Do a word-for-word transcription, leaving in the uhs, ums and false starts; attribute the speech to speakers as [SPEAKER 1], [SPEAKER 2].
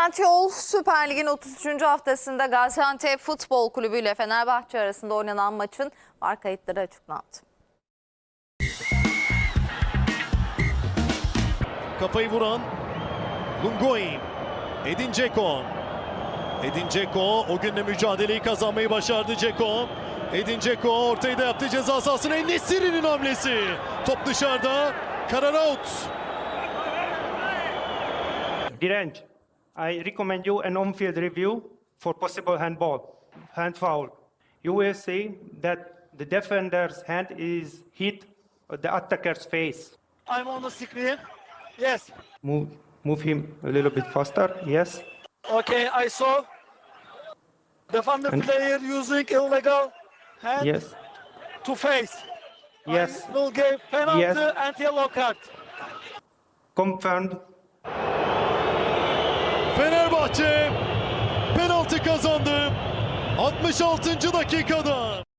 [SPEAKER 1] Trendyol Süper Lig'in otuz üçüncü haftasında Gaziantep Futbol Kulübü ile Fenerbahçe arasında oynanan maçın var kayıtları açıklandı.
[SPEAKER 2] Kafayı vuran Lungoy, Edin Dzeko. Edin Dzeko o gün de mücadeleyi kazanmayı başardı Dzeko. Edin Dzeko ortayı da yaptı ceza sahasına. En-Nesyri'nin hamlesi. Top dışarıda. Karar out.
[SPEAKER 3] Direnç, I recommend you an on-field review for possible handball, hand foul. You will see that the defender's hand is hit the attacker's face.
[SPEAKER 4] I'm on the screen. Yes.
[SPEAKER 3] Move, move him a little bit faster. Yes.
[SPEAKER 4] Okay, I saw. Defender
[SPEAKER 3] And-
[SPEAKER 4] player using illegal hand
[SPEAKER 3] Yes.
[SPEAKER 4] to face.
[SPEAKER 3] Yes.
[SPEAKER 4] I will give penalty
[SPEAKER 3] Yes.
[SPEAKER 4] and yellow card.
[SPEAKER 3] Confirmed.
[SPEAKER 2] Fenerbahçe penaltı kazandı. altmış altıncı dakikada.